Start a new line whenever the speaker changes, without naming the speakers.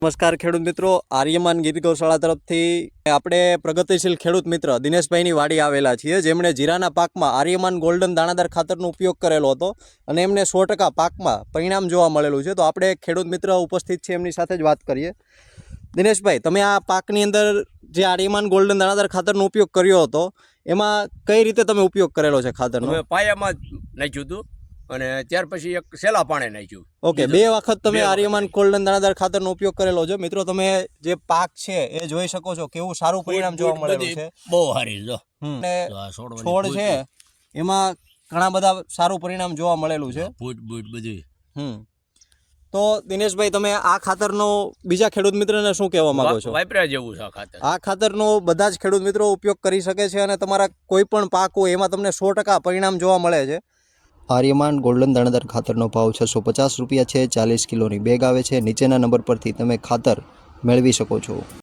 નમસ્કાર ખેડૂત મિત્રો, આર્યમાન ગીર ગૌશાળા તરફથી આપણે પ્રગતિશીલ ખેડૂત મિત્ર દિનેશભાઈની વાડી આવેલા છીએ, જેમણે જીરાના પાકમાં આર્યમાન ગોલ્ડન દાણાદાર ખાતરનો ઉપયોગ કરેલો હતો અને એમને 100% પાકમાં પરિણામ જોવા મળેલું છે. તો આપણે ખેડૂત મિત્ર ઉપસ્થિત છે, એમની સાથે જ વાત કરીએ. દિનેશભાઈ, તમે આ પાકની અંદર જે આર્યમાન ગોલ્ડન દાણાદાર ખાતરનો ઉપયોગ કર્યો હતો, એમાં કઈ રીતે તમે ઉપયોગ કરેલો છે ખાતરનો?
પાયામાં નાખ્યું હતું અને ત્યાર પછી એક સેલા પાણી નાખ્યું.
ઓકે, 2 વખત તમે આર્યમાન ગોલ્ડન દાણાદાર ખાતરનો ઉપયોગ કરેલો છે. મિત્રો, તમે જે પાક છે એ જોઈ શકો છો, કેવું સારું પરિણામ જોવા મળેલું છે.
બહુ સારી જો
છોડ છે એમાં ઘણા બધા સારું પરિણામ જોવા મળેલું છે.
બધું.
તો દિનેશભાઈ, તમે આ ખાતરનો બીજા ખેડૂત મિત્રને શું કહેવા માંગો છો?
વાપર્યા જેવું છે આ ખાતર.
આ ખાતરનો બધા જ ખેડૂત મિત્રો ઉપયોગ કરી શકે છે અને તમારા કોઈ પણ પાક હોય એમાં તમને 100% પરિણામ જોવા મળે છે.
આર્યમાન ગોલ્ડન દાણાદાર ખાતરનો ભાવ 650 રૂપિયા છે. 40 કિલોની બેગ આવે છે. નીચેના નંબર પરથી તમે ખાતર મેળવી શકો છો.